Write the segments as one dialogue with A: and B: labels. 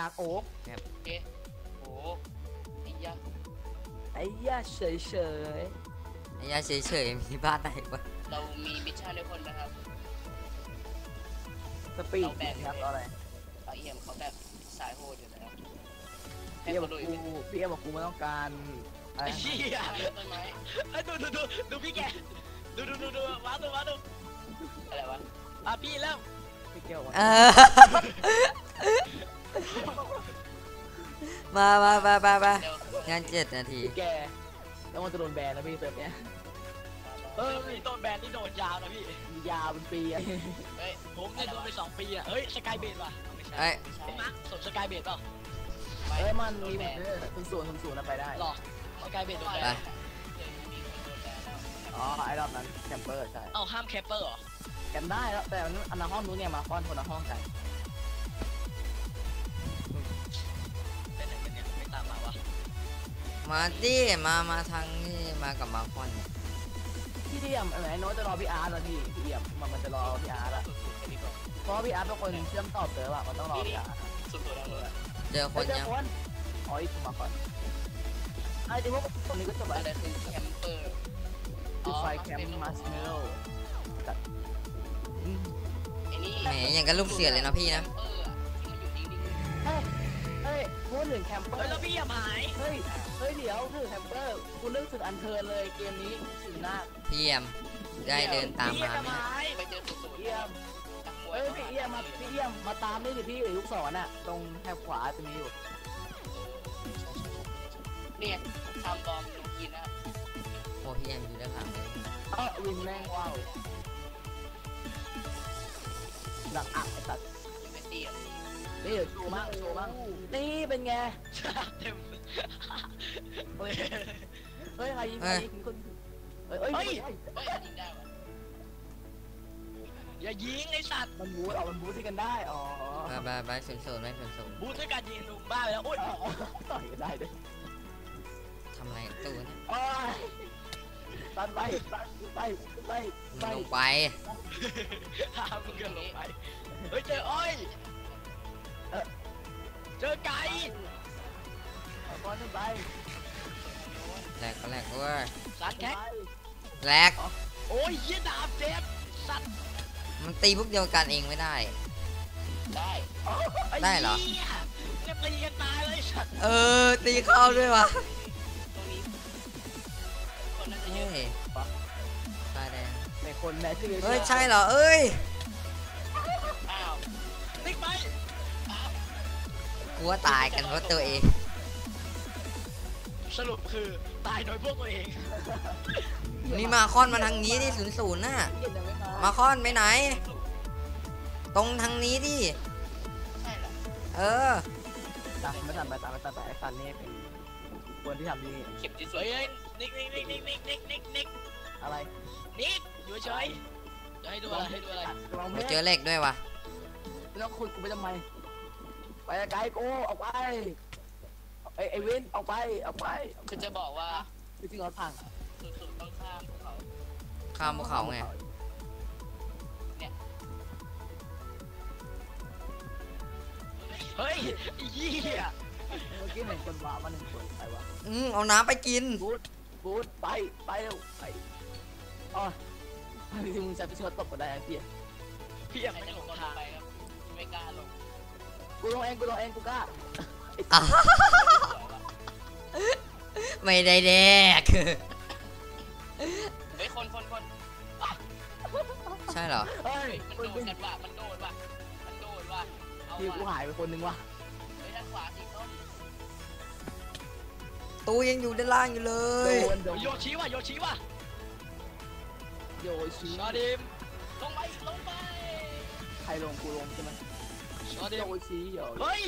A: าโอ๊ก
B: โอเคโอ้ไอ้ยา
A: เฉย
C: ไอ้ยาเฉยๆมีบ้านไหนวะ
B: เรามีมิชชั่นด้วยคนนะครับ
A: สปีดครับอะไร
B: เอี่ยมเขาแบบสายโหดอยู่แล้ว
A: พี่เอ็มบอกกูไม่ต้องการอะไร
D: ไอ้เหี้ย
B: ต้นไม้
D: ดูพี่แกดูมาดู
B: อะไรวะ
D: พี่แล้ว
A: พี่เกียว
C: งาน7 นาที
A: แกแล้วมันจะโดนแบนนะพี่เซิร์ฟเนี้ย
D: มีต้นแบนนี่โดนยาวนะพี่
A: ยาวเป็นปีอะ
D: ผมเนี่ยโดนไป2 ปีอะเฮ้ยสกายเบดว่ะไม่ใช่เป็นมาร์คสดสกายเบดเปล่า
A: มันมีแบบศูนย์นะไปได้
D: หรอสกายเบดโดนแบน
A: ไอ้รอบนั้นแคมเปอร์ใช่
D: ห้ามแคปเปอร์เหรอ
A: แคมได้แล้วแต่อันนั้นห้องนู้นเนี่ยมาคอนคนละห้องกัน
D: เป็นไหนกันเนี่ยไม่ตามมาวะ
C: มาดิมาทางนี้มากับมาคอน
A: พี่เดียมไอ้โน้ตจะรอพี่อาร์ตแล้วพี่เดียมมันจะรอพี่อาร์ตละเพราะพี่อาร์ตเป็นคนเชื่อมต่อเจอว่ะมันต้องรอพี่อาร์ต
C: เจอคนยัง
A: อ๋ออีกมาก่อนไอ้ที่พวกคนนี้ก็จะแบบ
B: อะไรคือแคมเปอร์
A: คือไฟแคมป์มาร์ชเมลโล่
C: แหมอย่างกับลูกเสือเลยนะพี่นะ
A: เฮ้ยพูดถึงแคมเปอร์
D: แล้วพี่อย่าหาย
A: เฮ้ยเดี๋ยวถึงแคมเปอร์คุณนึกถึงอันเทิร์นเลยเกมนี้ถึงหน้า
C: พี่เอี่ยมได้เดินตามมาไหม
B: ไปเจอสุด
A: เอี่ยมพี่เอี่ยมมาตามนี่สิพี่ลูกศรน่ะตรงแถบขวาจะมีอยู่
B: เนี่ยทำบอมลงกินนะ
C: โอ้พี่เอี่ยมอยู่ด้านหลังเลย
A: วินแม่งว้าวหลังอักไอ้สัตว์
B: เป็นตี
A: นี่โชว์มั่งนี่เป็นไงเฮ้ยใครยิงคนเฮ้ยยิง
B: ได้วะ
D: อย่ายิงไอ้สัตว์
A: มันบูทที่กันได้
C: ไปศูนย์ไม่ศูนย์
D: บูทด้วยการยิงลุงบ้าไปแล้วโอ๊ย
A: ต่อยกันได้ด้วย
C: ทำไรตู้เนี่ย
A: ตันไป
C: ลงไป
D: มึงเกินลงไปเฮ้ยเจออ้อยเจอไก่
A: ก้อนขึ้นไป
C: แหลกเว้ย
D: สัตว์แท็ก
C: แหลก
D: โอ้ยยี่ดาบเจ็บสัตว์
C: มันตีพวกเดียวกันเองไม่ได้
D: ได้เหรอจะตีกันตายเลยสัตว์
C: ตีเข้าด้วยวะเฮ้ยตาแดง
A: ในคนแม่ชื่อ
C: เฮ้ยใช่เหรอเอ้ย
D: ติ๊กไป
C: กูว่าตายกันเพราะตัวเอง
D: สรุปคือตายโดยพวกตัวเอง
C: นี่มาคอนมาทางนี้ดิ00น่ะมาคอนไปไหนตรงทางนี้ดิ
A: ตามไปไอ้สันนี่เป็นคนที่ทำดี
B: เข็มที่สวย
D: นิก
A: อะไร
D: นิกอยู่เฉยจะให้ดูอะไร
C: เจอเหล็กด้วยวะ
A: แล้วคุณกูไปทำไมไปไกลกูออกไปไอ้เว้นออกไป
B: คือจะบอกว่า
A: จริงๆเราพัง
B: สุดต้องข้ามภู
C: เขาไง
B: เนี่ย
D: เฮ้ยเหี้ย
A: เมื่อกี้เห็นคนว่ามัน1 คนไปวะ
C: เอาน้ำไปกิน
A: บูทไปเร็วไปที่มึงจะไปช่วยตบก็ได้
D: พี่ยังไม่ลงทาง
B: ไปครับไม่กล้าลง
A: กูลงเองกูกล้า
C: ไม่ได้แดก
B: เฮ้ยคน
C: ใช่เหรอ
B: มันโดดว่ะ
A: พี่กูหายไปคนนึงว่ะ
B: เฮ้ยด้านขวาสีส้ม
C: ตู้ยังอยู่ด้านล่างอยู่เลย
D: โยชิว่ะ
A: โยชิ
D: ชาดิม
B: ลงไป
A: ใครลงกูลงใช่ไหม
D: ชาดิม
A: โยชิ
D: เฮ้ย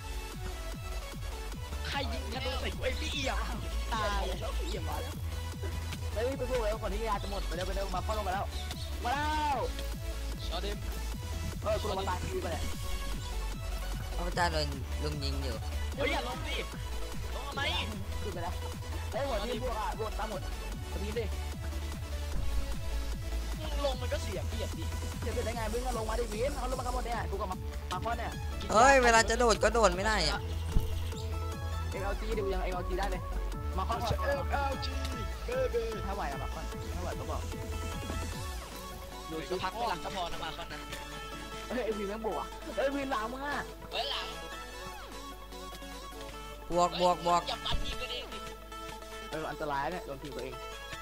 D: ใครยิงกระโดดใส่กูไอ้พี่เอี่ยม
A: ตายแล้วเอี่ยมมาแล้วเฮ้ยไปพูดแล้วก่อนที่ยาจะหมดไปเร็วมาเข้าลงมาแล้ว
D: ชาดิม
A: กูลงมาตายทีไปเลย
C: พระเจ้าโดนลุมยิงอยู่
D: เฮ้ยอย่าลงดิลงทำไม
A: ขึ้นไปแล้วหมดที่พวกตามหมดทีดิ
D: ลลงมันก็เสียเปรียบดิ
A: จะเป็นได้ไงวิ่งก็ลงมาดิวินเขาลงมาข้างบนเนี่ยกูกับมาข้อเนี่ย
C: เฮ้ยเวลาจะโดดก็โดดไม่ได้อะ
A: เอ็กเอลจีดูยังเอ็กเอลจีได้เลยมาข้อ
D: LG เบเบ้
A: ถ้าไหวอะมาข้อถ้าไหวก็บอก
D: ดูสักพักไม่หลักก็พอนะมาคนนั้น
A: เฮ้ยไอวินแม่งบวกเฮ้ยวินหลังมึงอ่ะ
B: เฮ้ยหลัง
C: บวก
B: อย่าปัดทีมกันเองดิ
A: อันตรายเนี่ยโดนทีมตัวเอง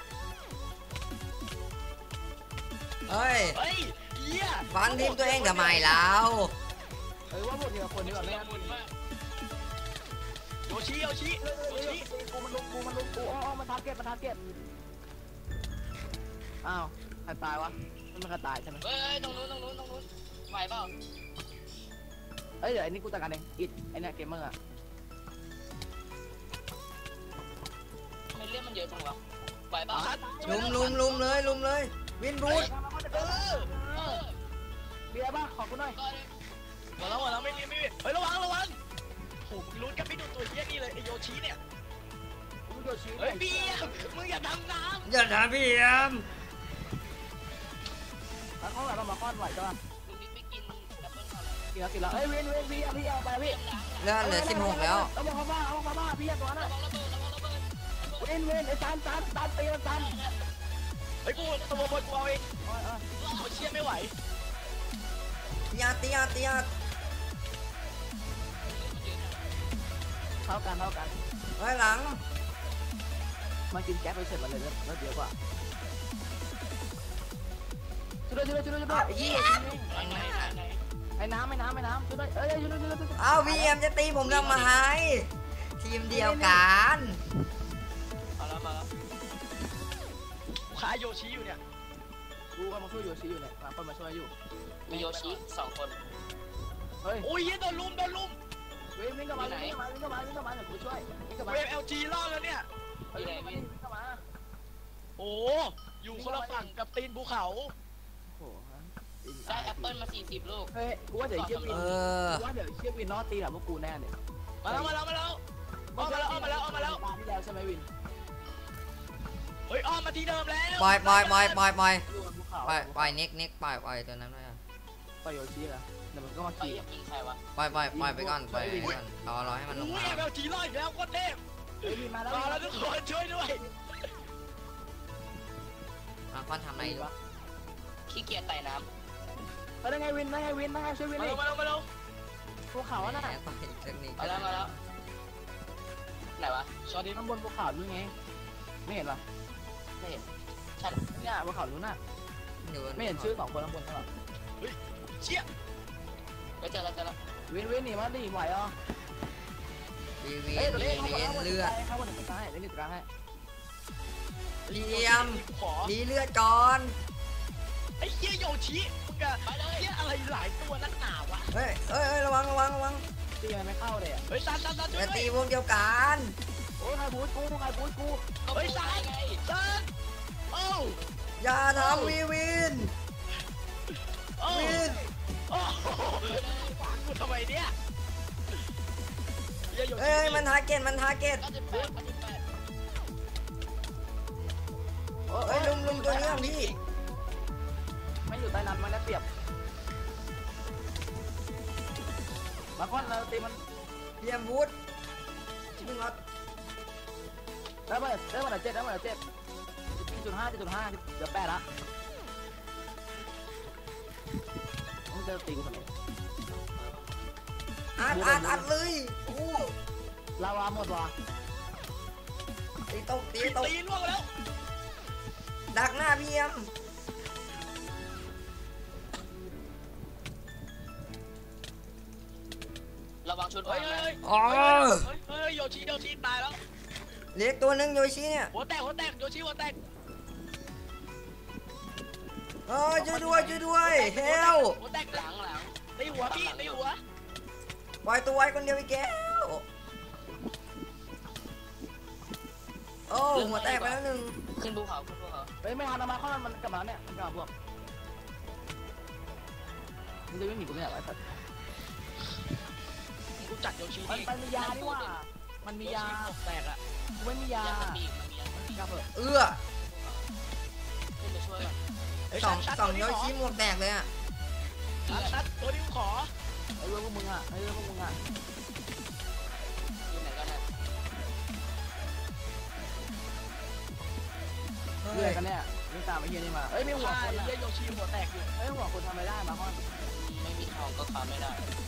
C: เฮ้ย
D: เฮ้ยเหี้ย
C: ฟันทีมตัวเองทำไมแล้ว
A: ว่าหมดทีละคนดีกว่าไม่งั้น
D: โยชิ
A: กูมันลงกูอ๋อมันทาร์เก็ตอ้าวใครตายวะมันใครตายใช่ไหม
B: เฮ้ยตรงนู้นไหวเปล่า
A: เอ้ยเดี๋ยวไอ้นี่กูจัดการเองอิดไอ้เนี่ยเกมเมอร์อะ
B: ทำไมเรื่องมันเยอะจังวะไหวเปล่า
C: ลุมเลยวินรูด
A: เบียร์บ้าขอบคุณหน่อย
B: ก็ได้
D: หมดแล้วไม่มีเฮ้ยระวังโหมึงลุ้นกันไม่ดูตัวเหี้ยนี่เลยไอโยชิเนี่ย
A: กูโยชิ
D: เฮ้ยพี่มึงอย่าทำน้
C: อย่าด่าพี่แอม
A: แล้วเขาแบบมาค้อนไหวจ้ะ
B: ลุงนิดไม่กินแอปเปิ้ลก่อนเลย
A: กินแล้วเฮ้ยพี่เอาไปพี่
C: เลือดเหลือ16แล้ว
A: เอามาบ้าพี่ตัวนั้น
B: ระวังระเบิด
A: เว้นไอ้ตันตีตัน
D: ำเฮ้ยกูตัวบนกูเอาเองเขาเชี่ยไม่ไหว
C: ตีอา
A: เท่ากัน
C: เฮ้ยหลัง
A: มากินแก๊สไปเสร็จมาเลยแล้วเดี๋ยวกว่าช่วยด้วยยี่ไอ้น้ำช่วยด้วยช่วยด้วย
C: เอาพี่แอมจะตีผมทำไมทีมเดียวกัน
D: มาแล้วขาโยชิอยู่เนี่ย
A: กูกำลังช่วยโยชิอยู่เนี่ยมาคนมาช่วยอยู่
B: มีโยชิ2 คน
A: เฮ้ย
D: โอ้ยโดนลุม
A: วิ่งเข้ามาเดี๋ยวกูช่วยวิ่งเข้ามา
D: เวฟ LG รอดแล้วเนี่ย
A: วิ่งเข้ามา
D: โอ้อยู่คนละฝั่งกับตีนภูเขา
A: โอ้โห
B: ได้แอปเปิ้ลมา40 ลูก
A: เฮ้ยกูว่าเดี๋ยวเชี่ยวินว่าเดี๋ยวเชี่ยวินนอตีหลังพวกกูแน่เนี่ย
D: มาแล้ว
A: ตาที่แล้วใช่ไหมวิน
D: เฮ้ยอ้อมมาที่เดิมแล้ว
C: ปล่อย
A: อยู่บนภูเขา
C: ปล่อยเน็กปล่อยตัวนั้นไป
A: ปล่อยโยชินะเดี๋ยวมันก็มา
B: เฮ้ย
A: ขี่
B: อยากกินใครวะ
C: ปล่อยไปก่อนรอให้มันลง
D: อุ้ย
C: มา
D: LG รอดอีกแล้วโคตรเทพ
A: เฮ้ยวินมาแล้ว
D: รอแล้วทุกคนช่วยด้วย
C: มาคอนทำอะไรวะ
B: ขี้เกียจไต่น้
A: ได้ไงวินช่วยวิน
D: มา
A: ดิ
D: แล้ว
A: ภูเขาน่ะ
C: ปล่อยอีกสักนิด
B: ำมาแล้วไหนวะ
D: สวัสดี
A: ข้างบนภูเขานู่นไงไม่เห็นหรอ
B: ไม่เห็นชัด
A: เนี่ยภูเขานู่นน่ะไม่เห็นชื่อ2คนข้างบนหรอ
D: เชี่ย
B: ไปเจอแล้ว
A: วินหนีมาดิไหวอ่ะ
C: วี
A: เฮ้ยตัวนี้
C: เลือด
A: เข้าบนตึกซ้ายเล่นตึกกลางให้
C: เลียม
D: ขอ
C: ดีเลือดก่อน
D: ไอ้เหี้ยโยชิมึงอะเหี้ยอะไรหลายตัวนักหนาวะ
C: เฮ้ยระวัง
A: ตีมันไม่เข้าเลยอ่ะ
D: เฮ้ยซันช่วย
C: จะ
D: ด้วย
C: ตีวงเดียวกัน
A: โอ้ยใครบูทกู
D: เฮ้ยซันโอ้
C: อย่าทำวิน
D: โอ้โอ้กูทำไมเนี่ย
C: เอ้ยมันทาร์เก็ต
B: 98
C: เฮ้ยลุมตัวนี้พี่
A: ไม่อยู่ใต้น้ำมันได้เปรียบมาก้อนเราตีมัน
C: เลียมบูทมึงเอา
A: ได้มา7ได้มา7.5เดี๋ยว8ละมึงจะตีกูทำไม
C: อัดเลยโอ้
A: ลาวาหมดว่ะ
C: ตีตก
D: ตีล่วงแล้ว
C: ดักหน้าพี่แอม
B: ระวังชุด
D: เฮ้
B: วาย งนะ
C: อ๋อ
D: เฮ้ยโยชิตายแล้ว
C: เล็กตัวนึงโยชิเนี่ย
D: หัวแตกโยชิหัวแตก
C: ช่วยด้วยเฮล
D: หัวแตก
B: หลัง
D: ตีหัวพี่ตีหัว
C: ปล่อยตัวไว้คนเดียวอีกแก้วโอ้หัวแตกไปแล้วหนึ่ง
B: ขึ้นภูเขา
A: เฮ้ยไม่ทันมาข้อมันกลับมาเนี่ยมันกลับพวกมึงจะวิ่งหนีกูไม่อยากไอ้สัตว์
D: กูจัดโยชิ
A: มันมียานี่ว่ามันมียา
D: แตกอะ
A: กูไม่มียา
B: มันมี
A: กลับเถอะ
C: เอื้อ
B: ขึ้นไปช่วยก่อน
A: ไอ้
C: สองโยชิหมวกแตกเลยอ่ะ
D: ชัดตัวนี้กูขอ
A: ไอ้เรื่องพวกมึงอ่ะไอ้เรื่องพวกมึงอ่ะ
B: อยู่ไหนกันนะ
A: เรื่อยกันเนี่ยนี่ตามไอ้เฮียนี่มาเอ้ยไม่หัว
D: ใช่
A: คนอ่ะ
D: เยี่ยโยชิหัวแตกอยู่
A: เอ้ยหัวคนทำไม่ได้มาค่อน
B: ไม่มีทองก็ค้าไม่ได้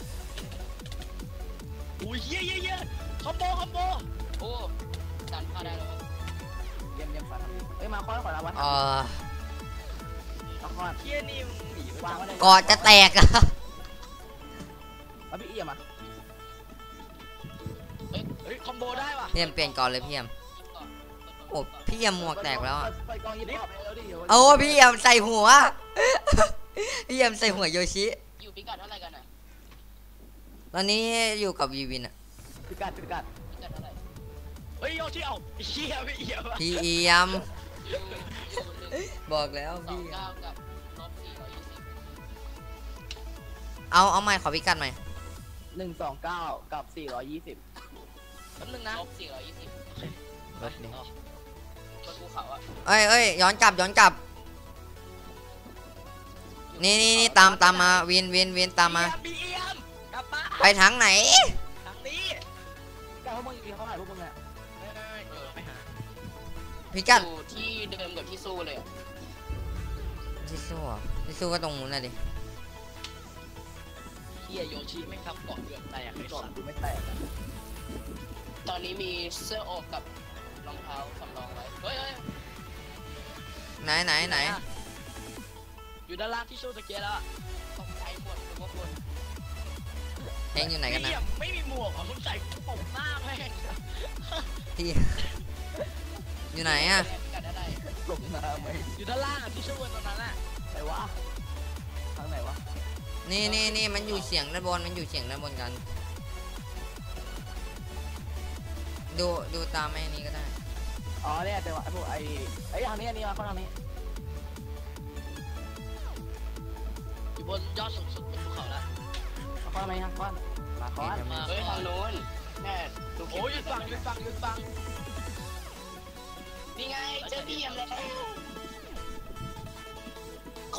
D: อุ้ยเยี่ยคอมโบ
B: โอ้ดันเข้าได้แล้ว
A: เยี่ยมสัตว์เอ้ยมาค่อนขอรับวัด
C: อ๋อ
A: มาค่อน
D: เยี่ยนี่มึงหนี
A: วางไว้เลย
C: กอดจะแตกอ่ะ
A: แล้วพี่เอี่ยมอ่ะ
D: เฮ้ยคอมโบได้ว่ะ
C: พี่เอ็มเปลี่ยนก่อนเลยพี่เอ็มโอ้พี่เอ็มหมวกแตกแล้วอ่ะ
A: ไปกองยิปไปแล้วดิ
C: โอ้พี่เอ็มใส่หัว พี่เอ็มใส่หัวโยชิ
B: อยู่พิกัดเท่าไหร่กันอ่ะ
C: ตอนนี้อยู่กับวีวินอ่ะ
A: พิกัด
B: พิกัดเท่าไหร่
D: เฮ้ยโยชิเอาเยี่ยไม่เยี่ยว่ะ
C: พี่เอ็ม
B: อยู่
C: บอกแล้ว
B: สอง
C: พี่
B: เก้ากับลบ420
C: เอาใหม่ขอพิกัดใหม่
A: 129กับ420
D: แป๊บนึงนะ
B: ลบ420
C: รถดิ
B: บนภูเขาอ่ะ
C: เอ้ยย้อนกลับนี่ตามมาวินตามมา
D: บีเอ็มกลับมา
C: ไปทางไหน
D: ทางนี้
A: ก้าวพวกมึงอีกเขาหายพวกมึงเนี่ย
D: ไปหา
C: พิกัด
B: อยู่ที่เดิมกับที่สู้เลย
C: ที่สู้ก็ตรงนู้นน่ะดิ
D: เยี่ยโยชิไม่ทำเกาะเกือบแตกไอ้
A: ก่อน
D: สัตว์
A: กูไม่แตก
B: ตอนนี้มีเสื้อโอกกับรองเท้าสำรองไว้เฮ้ย
C: ไหน
D: อยู่ด้านล่างที่สู้ตะเกียแล้ว
B: ตกใจหมดทุกคน
C: เองอยู่ไหนกันนะ
D: ไม่มีหมวกเหรอคุณใส่ปกหน้าแม่ง
C: พี่ อยู่ไหนอ่ะ
B: พิกัดอะไร
A: หลงน้ำไหม
D: อยู่ด้านล่างอ่ะที่สู้กันตรงนั้นอ่ะ
A: ไหนวะทางไหนวะ
C: นี่มันอยู่เสียงด้านบนกัน ดูตามไอ้นี้ก็ได้
A: อ๋อเนี่ยแต่ว่าไอ้พวกไอ้ทางนี้อันนี้มาทางนี้
D: อยู่บนยอดสูงสุดบนภูเขาแล้ว
A: มาไหมครับก้อนมาก้อน
B: เฮ้ยทางโน้นแน่ดู
D: โอ้ยหยุดฟัง
B: นี่ไงเจอพี่ยมแล้วขอ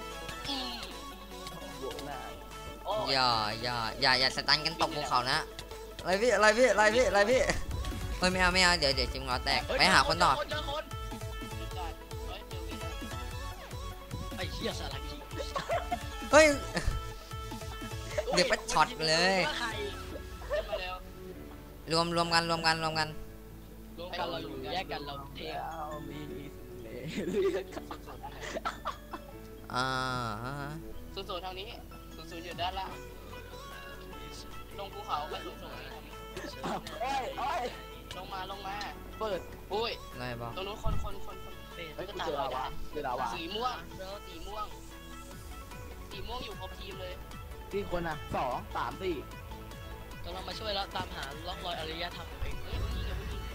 A: โบกหน้า
B: โอ้
C: อย่าสตันกันตกภูเขานะอะไรพี่เฮ้ยไม่เอาเดี๋ยวจิมงอแตกไปหาคนต่อ
D: เจอคน
B: พิกัดเฮ้ยเจอวิน
D: ไอ้เหี้ยสารพี
C: เฮ้ย เดี๋ยวก็ช็อตเลย
B: เจอมาแล้ว
C: รวมกัน
D: รวมกันเราอยู่แยกกันเราเท่
A: แล้วมีเล่ห์
B: สูงทางนี้สูงอยู่ด้านล่างลงภูเขาไปสูง
A: โอ้ย
B: ลงมา
A: เปิด
B: อุ้ย
C: อะไรบอก
B: ตรงนู้นคน
A: เฮ้ยกูเจอลาวา
B: สีม่วงอยู่ครบทีมเลย
A: กี่คนอ่ะ2 3 4
D: กำลังมาช่วยแล้วตามหาร่องรอยอารยธรรมเอง
B: เฮ้ยผู้หญิงกับผู้หญิง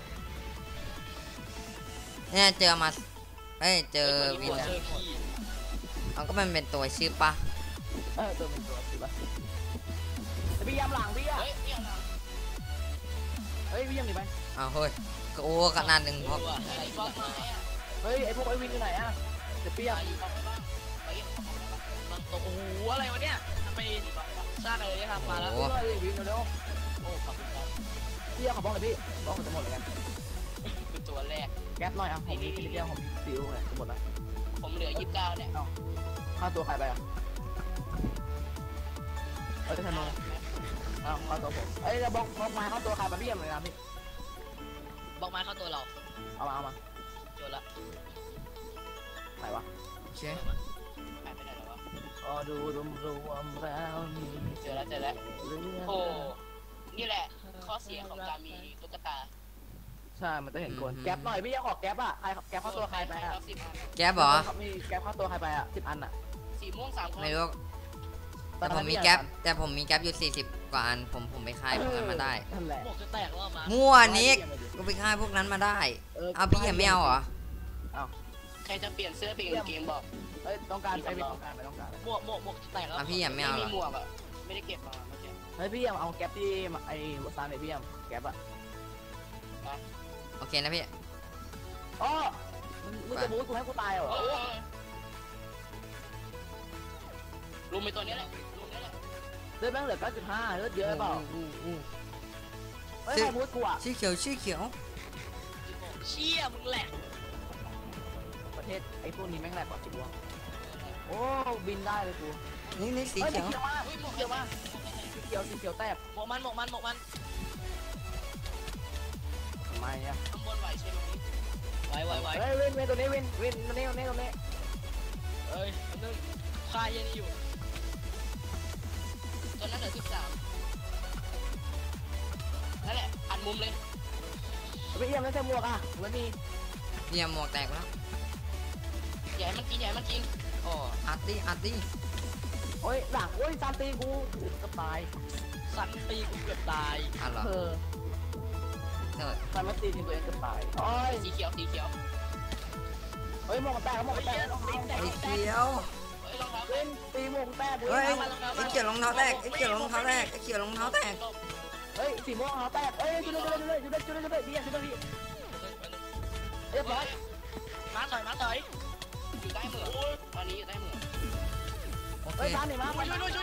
C: เนี่ยเจอวิน
D: เจอพี่
C: เอาก็มันเป็นตัวชื่อปะ
A: ตัวเป็นตัวสิปะพี่ยำหลังพี่อ่ะ
B: เฮ้ยพี่ยัง
A: เฮ้ยพี่ยำหนีไป
C: อ้าวเฮ้ยโอ้ขนาดหนึ่งพอ
B: ไอ้ฟอกมาอ่ะ
A: เฮ้ยไอพวกไอวินอยู่ไหนอ่ะเดี๋ยวพี่ยำ
B: อยู่บ้างไป
D: มันโอ้โหอะไรวะเนี่ยทำไมสร้างอารยธรรมมาแล้ว
A: พี่เลยวินเร็ว
B: โอ้ขอบคุณครับ
A: พี่ยำขอบ้องเลยพี่บ้องมันจะหมดเลยกัน
B: คือตัวแรก
A: แก๊ปหน่อยอ่ะผมมีพี่เดียวผมมีซิลเลยจะหมดแล้ว
B: ผมเหลือ29เนี่ย
A: ค่าตัวใครไปอ่ะจะทำไมค่าตัวผมจะบ้องมาค่าตัวใครไปพี่ยำเลยนะพี่
D: บอกไม้เข้าตัวเรา
A: เอามา
D: โจรละ
A: ไหนวะ
C: โอเค
B: หายไปไหนแล้ววะ
A: ดูรวมแล้วมี
B: เจอแล้ว
A: เรือ
B: โอ้นี่แหละข้อเสียของการมีตุ๊กตา
A: ใช่มันจะเห็นคนแก๊ปหน่อยพี่ยังขอแก๊ปอ่ะใครแก๊ปเข้าตัวใครไปอ่ะ
C: แก๊ปเหรอ
A: มีแก๊ปเข้าตัวใครไปอ่ะ10 อันอ่ะ
B: สีม่วง3 คน
C: ไม่รู้แต่ผมมีแก๊ปอยู่40 กว่าอันผมไปค่ายพวกนั้นมาได้
A: นั่นแหละ
D: หมวกจะแตกแล้วมา
C: มั่วนิกกูไปค่ายพวกนั้นมาได้เอาพี่ยังไม่เอาเหรอ
B: ใครจะเปลี่ยนเสื้อเปลี่ยนเกมบอก
A: ต้องการไปต้องการ
D: หมวกจะแตกแล้ว
C: เอาพี่ยังไม่
B: ไม่
C: เอาเหร
B: มี
C: อ
B: หมวกอ่ะไม่ได้เก็บมาเมื่อกี้
A: เฮ้ยพี่ยังเอาแก๊ปที่ไอ้ซานเลยพี่ยังแก๊ปอ่ะ
C: โอเคนะพี่
A: อ๋อมึงจะบู๊กูให้กูตายเหรอ
B: เลุมไปตัวนี้แหละลุมนี่แหละ
A: เลือดแม่งเหลือ 9.5 เลือดเยอะเปล่าเฮ้ยใครบูทกูอ่ะ
C: ชื่อเขียวชื่อเขียว
D: เชี่ยมึงแหลก
A: ประเทศไอ้พวกนี้แม่งแหลกกว่าจิ๋วโอ้บินได้เลยกู
C: นี่สี
A: เฮ้ย
C: เขียว
A: เขียวมาก
B: อุ้ยหมวก
A: เขียวมากสีเขียวแตก
D: หมกมัน
A: ทำไมอ่ะ
B: ข้างบนไหวใช่ไหม
D: ไหว
A: เฮ้ยวินตัวนี้วินตัวนี้
D: เอ้ยนึงฆ่าเย็นอยู่
B: ตัวนั้นเหลือ13นั่นแหละอันมุมเลย
A: ไปเอี่ยมแล้วใส่หมวกอ่ะมันมี
C: เนี่ยหมวกแตกแล้ว
B: อย่าให้มันกิน
D: อ๋อ
C: อัดดิ
A: โอ้ยหลังโอ้ยซานตีกูก็ตาย
D: สันตีกูเกือบตาย
C: อ่ะเหรอ
A: เธอ
C: เถิด
A: ซานมาตีทีตัวเองก็ตายโอ้ย
B: สีเขียว
A: เฮ้ยหมวกแตก
C: ไอ้เขียว
B: เฮ้ยรองเท้า
A: วินตีหมวกแตก
C: เฮ้ยไอ้เขียวรองเท้าแตกไอ้เขียวรองเท้าแตก
A: เฮ้ยสีม่วงเขาแตกเฮ้ยจุดเลยพี่จุดเลยพี่เรียบร้อย
D: มาต่อย
B: อยู่ใต้เหมืองตอนนี้อยู่ใต้เหมือง
C: โอเค
A: เฮ้ยซานหนีมา
D: ช่วยด้วย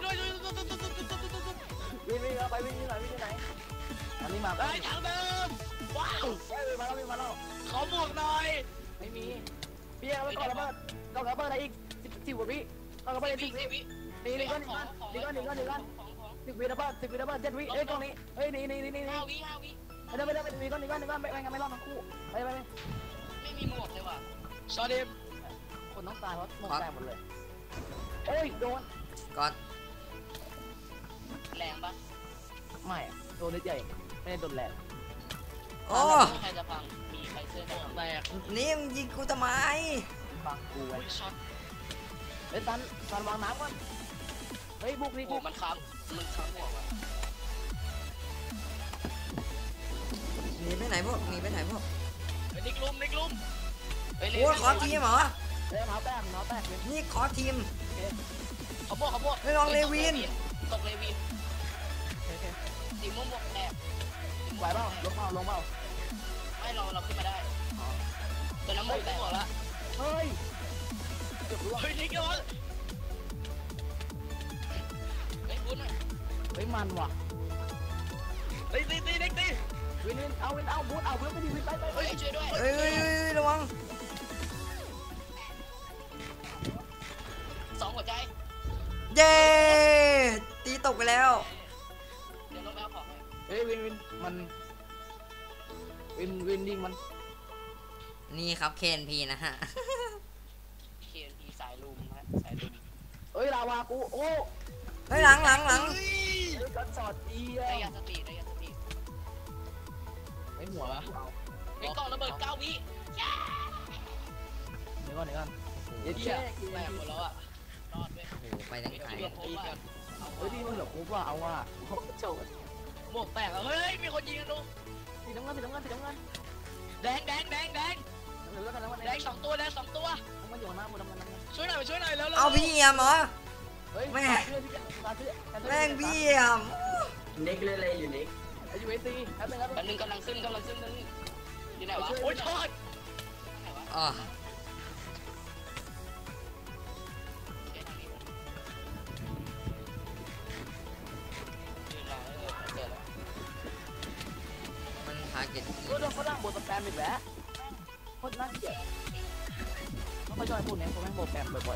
A: วินไปวินไหนอันนี้มา
D: เฮ้ยทางเดิมว้าว
A: เฮ้ยมาแล้ว
D: ขอหมวกหน่อย
A: ไม่มีพี่เอาไปก่อนระเบิดอะไรอีก10 กว่าวิก่อนระเบิด10 วินี่ก่อน10 วิระเบิด7 วิเอ้ยกล้องนี้เฮ้ยนี่
B: 5 วิ
A: ไม่ได้มีก้อนไม่รอดทั้งคู่ไป
B: ไม่มีหมวกเลยว่ะ
D: ซอเดม
A: คนต้องตายเพราะหมดแตกหมดเลยโอ้ยโดน
C: ก่อน
B: แรงปะ
A: ไม่โดนนิดใหญ่ไม่ได้โดนแรง
C: โอ้
B: ใครจะพังมีใครเสื้อ
D: หมวกแตก
C: นี่มึงยิงกูทำไม
A: ฟังกูไว้
D: อุ้ยช็อต
A: เฮ้ยซันวางน้ำก่อนเฮ้ยบุกนี่
B: โอ้
A: บุก
B: มันค้ำหมวกว่ะ
C: หนีไปไหนพวก
D: นิกลุม
C: โอ้ขอทีมเหรอ
A: เฮ้ยเท้าแตกเลย
C: นี่ขอทีม
D: ขอหมวก
C: ไม่ลองเลวิน
B: ตกเลวินสีม่วงบวกแตก
A: ไหวเปล่าลงเปล่า
B: ไม่เราขึ้นมาได้ตัวน้ำหมวกแตกละ
A: เฮ้ยเกือบร่วง
D: เฮ้ยนิกโดน
B: เฮ้ยพูดหน่อย
A: เฮ้ยมันว่ะ
D: ตีนิกตี
A: วินเอาบูทเอาเพื่อนไปดิวินไป
B: เฮ้ยช่วยด้วย
C: เอ้ยระวัง
B: 2 หัวใจ
C: เย้ตีตกไปแล้ว
B: เดี๋ยวลงไปเอาของให้
A: เฮ้ยวินมันวินยิงมัน
C: นี่ครับเคนพีนะฮะ
B: เขียนทีสายลุมฮะสายลุม
A: เฮ้ยลาวากูโอ้
C: เฮ้ยหลัง
A: เฮ้ยกันสอดดี
B: ได้ยาสติ
A: ไอ้หัว
B: ไอ้กล่องระเบิด9 วิ
A: เดี๋ยวก่อน
D: เหี้ยแตกหมดแล้วอ่ะ
B: รอดด้วย
C: โอ้โหไปทางไหน
D: ตีกัน
A: เฮ้ยดีมันเหลือกูว่าเอาว่ะโจด
D: หมวกแตกแล้วเฮ้ยมีคนยิงกันดู
A: สีน้ำเงิน
D: แดง
A: เหลือกันแล้ว
D: แดง2 ตัว
A: มันอยู่หน้ามูดำกัน
D: ช่วยหน่อยแล้ว
C: เอาพี่เอี่ยมเหรอ
A: เฮ้ย
C: แม่
A: แม่
C: แม่งพี่เอี่ยม
E: นิกเล่นอะไรอยู่นิก
A: อยู่เอซีแป๊บนึง
B: อันนึงกำลังขึ้นนึงอยู่ไหนวะ
D: โอ้ยทอด
B: ไหนวะ
C: อ๋อ
B: เอ๊ะทางนี้ยืนรอเจอแล้ว
C: มันทาร์เก็ต
A: ก็โดนเขาดังบทสแปมอีกแล้วโคตรน่าเกลียดเขาชอบพูดเนี่ยเขาแม่งบทแปมบ่อย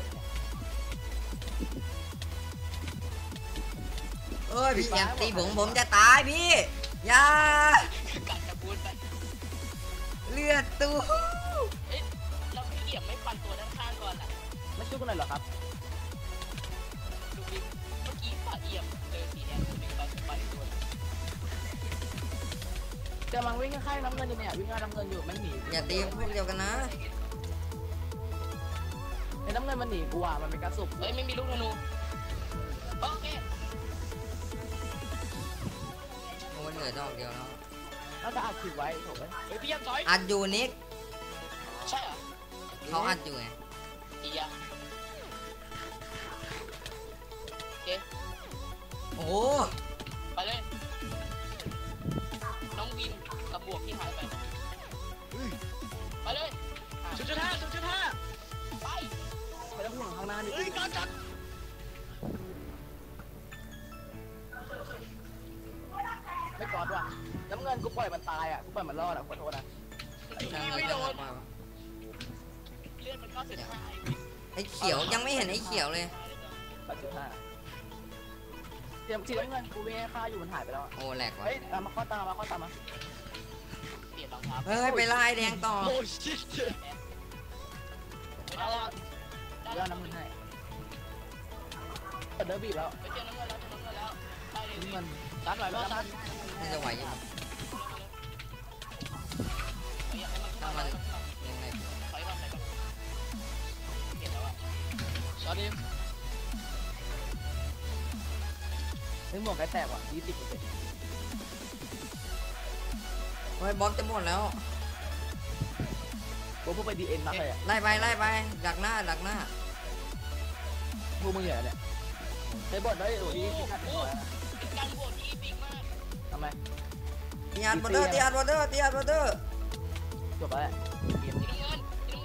C: เอ้ยพี่เอี่ยมตีผมจะตายพี่อย่า
B: กัดจะพูดไป
C: เลือดตู้
B: เอ๊ะเราพี่เอี่ยมไม่ปันตัวด้านข้างก่อนล่ะ
A: ๆไม่ช่วยกันหน่อยเหรอครับ
B: ดูดิเมื่อกี้ฝ่าเอี่ยมเจอสีแดงคนหนึ่งปันตัว
A: กำลังวิ่งข้างน้ำเงินอยู่เนี่ยวิ่งข้างน้ำเงินอยู่ไม่หนี
C: อย่าตีพวกเดียวกันนะ
A: ไอ้น้ำเงินมันหนีกูอ่ะมันเป็นกระสุบ
B: เฮ้ยไม่มีลูกธนูโอเค
C: โอ้ยเหลือดอกเดียวแล้ว
A: แล้วจะอัดคลิปไว้ถูกไหม
D: เฮ้ยพี่ยังถอย
C: อัดอยู่นิก
B: ใช่เหรอ
C: เขาอัดอยู่ไง
B: อีอะโอเค
C: โอ้โห
B: ไปเลยน้องวินกับบวกที่หายไปไปเลย
D: 0.5
B: ไป
A: ไม่ต้องห่วงข้างหน้าดิ
D: เฮ้ยก่อน
A: อนกูปล่อยมันตายอ่ะกูปล่อยมันรอดอ่ะขอโทษนะ
D: ไม่โดน
B: เลื่อนมัน95
C: ไอ้เขียวยังไม่เห็นไอ้เขียวเลย
A: 8.5เตรียมสีน้ำเงินกูวิ่งให้ฆ่าอยู่มันหายไปแล้ว
C: โอ้แหลกว่ะ
A: เฮ้ยตามมาข้อตามมาข้อตามมา
B: เปลี่ยนรองเท้า
C: เฮ้ยไปไล่แดงต่อ
D: โอ้ชิต
B: เอาละ
A: เดี๋ยวน้ำเงินให้เปิดเดอร์บีบแล้ว
B: ไปเจอน้ำเงินแล้วได้เลย
A: น้ำเงิน
D: ซันไหวป่ะซัน
C: น่าจะไหวอยู่ถ้ามันยังไง
B: ถอยก่อนเปลี่ยนแล้วอะ
D: สวัสดี
A: เฮ้ยหมวกไก่แตกว่ะ20%
C: เฮ้ยบอมจะหมดแล้ว
A: กูพูดไปดีเอ็นมากเลยอ่ะ
C: ไล่ไปดักหน้า
A: พวกมึงเหรอเนี่ยใช้บทได้โอ้ยที่ขัดหัว
B: เป็นการโหวตที่บิ๊กมาก
A: ทำไม
C: ตีอัดบอร์เดอร์
A: จบแล้วแหละเกม
B: สีน้ำเงิน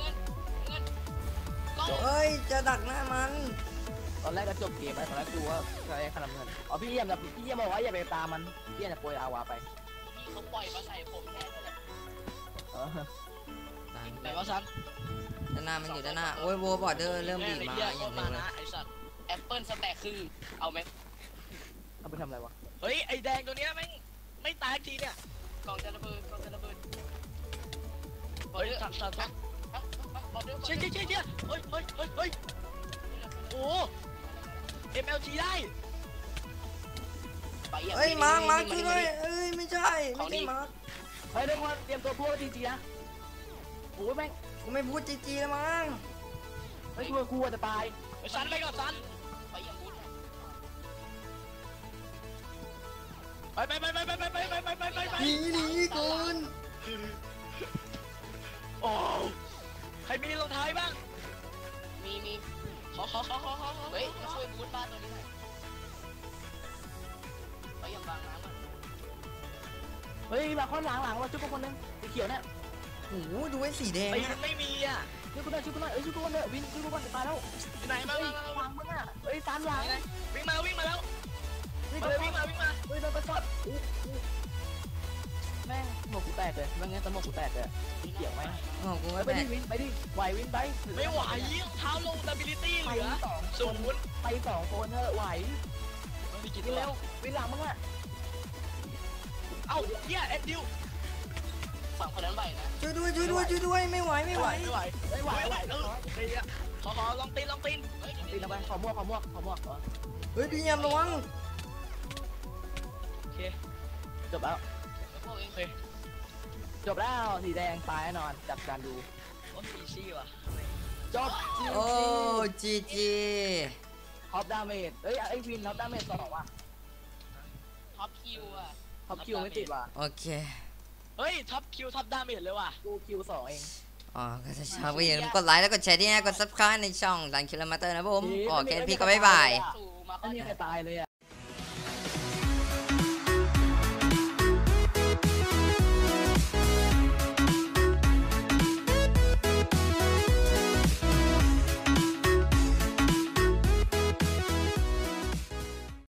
B: ก็
C: เฮ้ยจะดักหน้ามัน
A: ตอนแรกก็จบเกมไปตอนแรกกูว่าจะได้ขนาดเงินอ๋อพี่เยี่ยมบอกว่าอย่าไปตามมันพี่เยี่ยมจะโปรยอาวาไป
B: ที่เขาปล่อยมาใส่ผมแค่นั้นแหละ
D: ไหนวะซัน
C: ด้านหน้ามันอยู่ด้านหน้าโอ้ยโวบอร์เดอร์เริ่มบีบมาอย่าง
D: เร็
C: เร็
D: ว
C: วเลย
D: นะไอ้สัตว์
B: แอปเปิลสแต็กคือเอาไหม
A: เอาไปทำอะไรวะ
D: เฮ้ยไอ้แดงตัวเนี้ยไม่ตายทีเนี่ย
B: กองจะระเบิด
D: เฮ้ยซันเชี่ยเฮ้ยโอ้ MLG ได้
C: เฮ้ยมาช่วยด้วยเอ้ยไม่ใช่มาร์ค
A: เฮ้ยทุกคนเตรียมตัวพูดจริงๆนะโอ้ยแม่ง
C: กูไม่พูดจีแล้วมั้ง
A: เฮ้ยกูจะตาย
D: ซันไปก่อนซัน
B: ไปอย่างบุญ
D: ไป
C: หนีก่อน
D: โอ้ใครมีรองเท้าบ้าง
B: มี
D: ขอ
B: เฮ้ยมาช่วยบูทบ้านตัวนี้หน่อยไปอย่างบางน้ำอ่ะ
A: เฮ้ยมาข้อหลังเราชุบคนนึงสีเขียวเนี่ย
C: โอ้โหดูไอ้สีแดง
D: ไอ้
C: อะ
D: ไม่มีอ่ะ
A: ชุบกูหน่อยเอ้ยชุบกูหน่อยวินชุบกูหน่อยตายแล้ว
D: อยู่ไหนมา
A: เฮ้ยหลังมึงอ่ะเฮ้ยตามหลัง
D: วิ่งมาแล้ว
A: เฮ้ย
D: วิ่งมา
A: เฮ้ยโดนไปสอดแม่งหมวกกูแตกเลยแม่งงั้นสมองกูแตกเลยสีเขียวไหม
C: โอ้โหกู
A: ไป
C: ไม่แต
A: ดิ
C: ก
A: ไปดิไหววินไป
D: ไม่ไหวรองเท้าลง stability เหลือ
A: ศูนย์ไป2คนเถอะไหว
D: มันมีกี่
A: วิ
D: ตั
A: น
D: ว
A: เร็ววินหลังมึงอ่ะ
D: เอ้าเนี่ยแอนดิว
B: ฝั่งคนนั้นไหวนะ
C: ช่วยด้วยไม่ไหว
A: ไม่ไหว
D: ขอลองตีน
A: ตีลงไปขอมวกเหรอ
C: เฮ้ยพี่ยามระวัง
D: โอเค
A: จบแล้ว
B: พวกเอง
D: โอเค
A: จบแล้วสีแดงตายแน่นอนจับการดู
D: โอ้ยอีซี่ว่ะ
A: จบ
C: โอ้จีจี
A: ท็อปดาเมจเอ้ยไอวินท็อปดาเมจ2ว่ะ
B: ท็อปคิวอ่ะ
A: ท็อปคิวไม่ติดว่ะ
C: โอเค
D: เฮ้ยท็อปคิวท็อปดาเมจเลยว่ะ
A: กูคิว2เอง
C: อ๋อก็ถ้าชอบก็อย่าลืมกดไลค์แล้วกดแชร์ที่นี่กด subscribe ในช่องดันคิลมาเตอร์นะผมโอเคพี่ก็บ๊ายบาย
B: สู่มา
A: ไม่มีใครตายเลยอ่ะ